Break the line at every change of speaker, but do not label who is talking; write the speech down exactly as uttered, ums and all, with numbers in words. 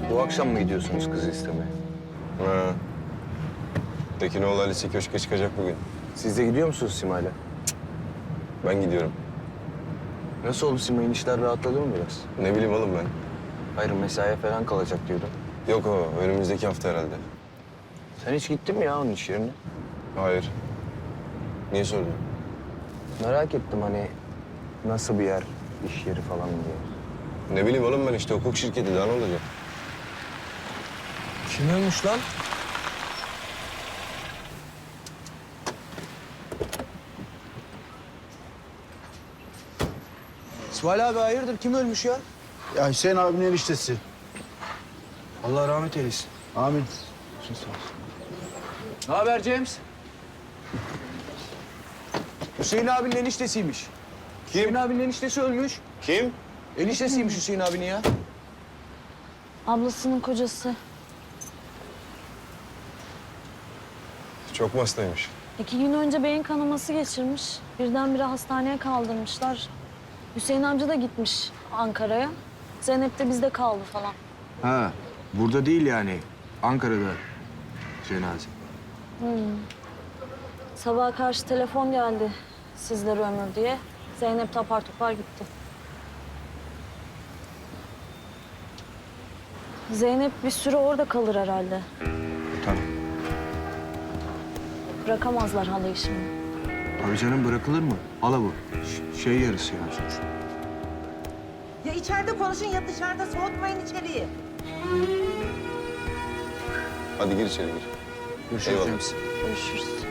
Bu akşam mı gidiyorsunuz kızı istemeye?
Ha. Tekinoğlu Alice köşke çıkacak bugün.
Siz de gidiyor musunuz Sima'yla?
Ben gidiyorum.
Nasıl oldu Sima'nın işler rahatladı mı biraz?
Ne bileyim oğlum ben.
Hayır mesaiye falan kalacak diyordum.
Yok o önümüzdeki hafta herhalde.
Sen hiç gittin mi ya onun iş yerine?
Hayır. Niye sordun?
Merak ettim hani nasıl bir yer, iş yeri falan diye.
Ne bileyim oğlum ben işte hukuk şirketi daha ne olacak?
Kim ölmüş lan? İsmail abi hayırdır? Kim ölmüş ya?
Ya Hüseyin abinin eniştesi.
Allah rahmet eylesin.
Amin.
Ne haber James? Hüseyin abinin eniştesiymiş.
Kim?
Hüseyin abinin eniştesi ölmüş.
Kim?
Eniştesiymiş Hüseyin abinin ya.
Ablasının kocası.
Çok mu hastaymış?
İki gün önce beyin kanaması geçirmiş. Birdenbire hastaneye kaldırmışlar. Hüseyin amca da gitmiş Ankara'ya. Zeynep de bizde kaldı falan.
Ha, burada değil yani. Ankara'da cenaze.
Sabaha karşı telefon geldi sizleri ömür diye. Zeynep de apar topar gitti. Zeynep bir süre orada kalır herhalde.
Tabii.
Bırakamazlar halayı şimdi.
Tabii canım bırakılır mı? Hala bu. Ş- şey yarısı yani sonuçta.
Ya içeride konuşun ya dışarıda, soğutmayın içeriği.
Hadi gir içeri gir.
Görüşürüz
Eyvallah.
James.
Görüşürüz.